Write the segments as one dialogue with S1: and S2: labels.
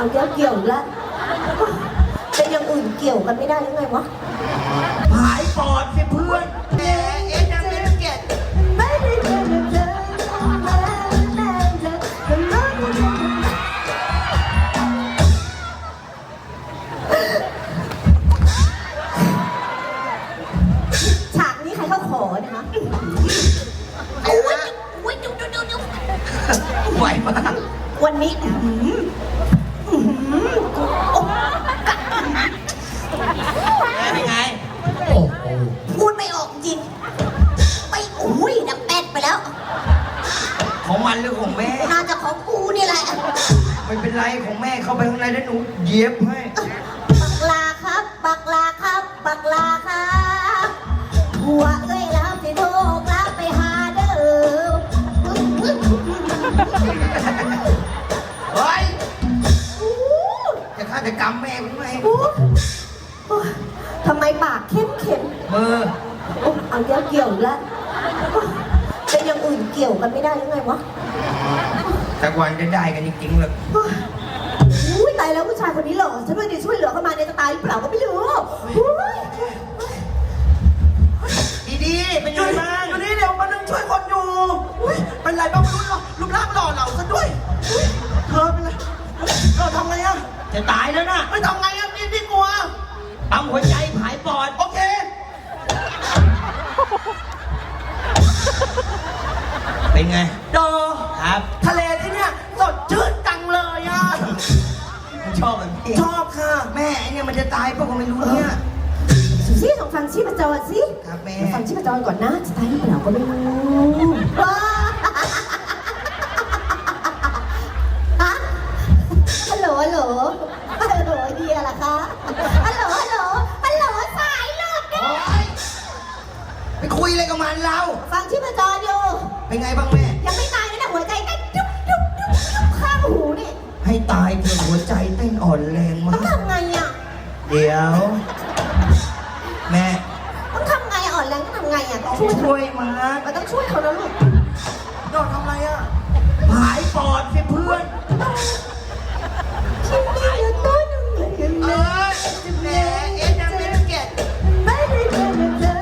S1: เกี่ยวแล้วเป็นอย่างอื่นเกี่ยวกันไม่ได้หรือไงวะ
S2: หายปอดสิเพื่อนแหมเอ็นยังไม่เก็ต
S1: ไม่ได้เจอเธอฉากนี้ใครเขาขอนะคะ
S2: โอ้ยจุ๊บไหวมาก
S1: วันนี้
S2: เป็นไง
S1: โอ้โหพูดไม่ออกจริงไม่อุ้ยดับแป๊ดไปแล้ว
S2: ของมันหรือของแม่
S1: น่าจะของกูนี่แหละ
S2: ไม่เป็นไรของแม่เข้าไปข้างในแล้วหนูเย็บให้
S1: บักลาครับบักลาครับบักลาครับหัวเอ้ยแล้วสิโทกแล้วไปหาเด้อ
S2: เฮ้ยจะฆาตกรรมแม่กูไหม
S1: ทำไมปากเข้ม
S2: มือ
S1: เอาเกี่ยวแล้วเป็นอย่างอื่นเกี่ยวกันไม่ได้หรือไงวะ
S2: สักวันจะได้กันจริงๆเลย
S1: อุ้ยตายแล้วผู้ชายคนนี้หล่อฉันว่าจะช่วยเหลือเขามาเนี่ยจะตายหรือเปล่าก็ไม่รู้
S2: ดีๆเป็นยังไงบ้าง
S3: อยู่นี่เดี๋ยวมานึงช่วยคนอยู่เป็นไรบ้างไม่รู้หรอรูปร่างหล่อเหลาซะด้วยเธอเป็นไรทำไงอะ
S2: จะตายแล้วนะ
S3: ไม่ทำไงอะนี่กลัว
S2: ปั๊มหัวใจผายปอด
S3: โอเค
S2: เป็นไง
S3: ดอ
S2: ครับ
S3: ทะเลที่เนี่ยสดชื่นจังเลยอะ
S2: ชอบแบบนี้
S3: ชอบค่ะ
S2: แม่เนี่ยมันจะตายเพราะก็ไม่รู้เนี่ย
S1: ซี่ลองฟังชีพจรสิ
S2: ครับแม่
S1: ฟังชีพจรก่อนนะจะตายหรือเปล่าก็ไม่รู้ฮัลโหลเดียล่ะคะฮัลโหลสายหลุด
S2: ไปคุยอะไรกับมันเรา
S1: ฟังชีพจรอยู่
S2: เป็นไงบ้างแม่
S1: ยังไม่ตายนะหัวใจเต้นจุ๊บข้างหูนี่
S2: ให้ตายเถอะหัวใจเต้นอ่อนแรงมาก
S1: ต้องทำไงอ่ะ
S2: เดี๋ยวแม่
S1: ต้องทำไงอ่อนแรงต้องทำไงอ่ะต้อง
S2: ช่วยมัน
S1: ต้องช่วยเขาแล้วลูก
S3: โดนทำไรอ่ะ
S2: หายปอดสิเพื่อน
S1: ฉันไม่รู้ต้น
S2: แหมเอ็นยังไม่เก็ต
S1: ไม่ได้เจอเธอ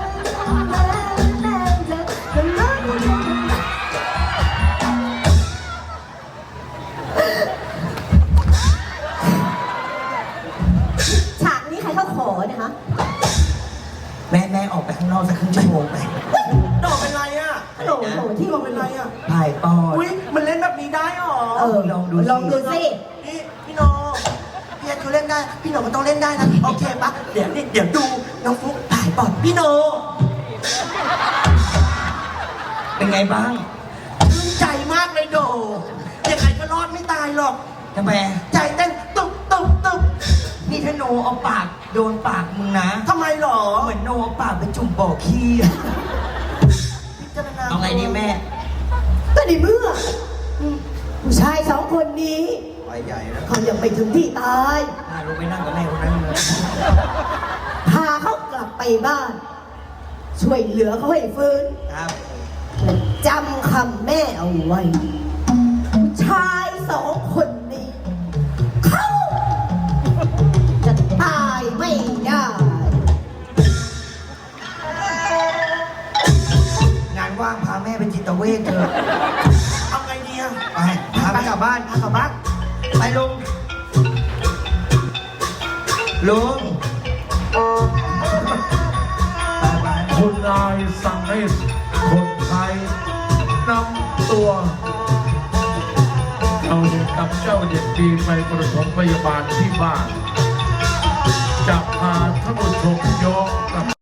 S1: ฉากนี้ใครเขาขอนะคะ
S2: แม่ออกไปข้างนอกสักครึ่งชั่วโมงไป
S3: ดอกเป็นไรอ่ะ
S1: โหลที่
S3: ดอกเป็นไรอ่ะ
S2: ถ่ายปอด
S3: อุ้ยมันเล่นแบบนี้ได้หรอ
S2: ลองดู
S1: สิ
S3: พี่โนพี่เขาเล่นได้พี่โนมันต้องเล่นได้นะโอเคปะเดี๋ยวดูน้องฟุ๊กถ่ายปอดพี่โน
S2: เป็นไงบ้าง
S3: ชื่นใจมากเลยโดยังไงก็รอดไม่ตายหรอก
S2: ทำไม
S3: ใจเต้นตุ๊บ
S2: นี่ถ้าโนเอาปากโดนปากมึงนะ
S3: ทำไมหรอ
S2: เหมือนโนเอาปากไปจุ่มบ่อขี้เอาไงดีแม่
S1: ก็ในเมื่อผู้ชายสองคนนี้
S2: ไปใหญ่แล้ว
S1: เขายังไปถึงที่ตาย
S2: ลงไปนั่งกับแม่คนนั้นเลย
S1: พาเขากลับไปบ้านช่วยเหลือเขาให้ฟื้น
S2: ครับ
S1: จำคำแม่เอาไว้ผู้ชายสองคนนี้เขาจะตายไม่ได้
S2: งานว่างพาแม่ไปจิตเวชเถอะ
S3: เอาไงดีอ่ะ
S2: ไปพาไปกลับบ้านไปลุง
S4: คุณนายสั่งให้คนไทยนำตัวเราเด็กกับเจ้าเด็กดีไปประถมพยาบาลที่บ้านจะพาท่านผู้ชมย้อนกลับ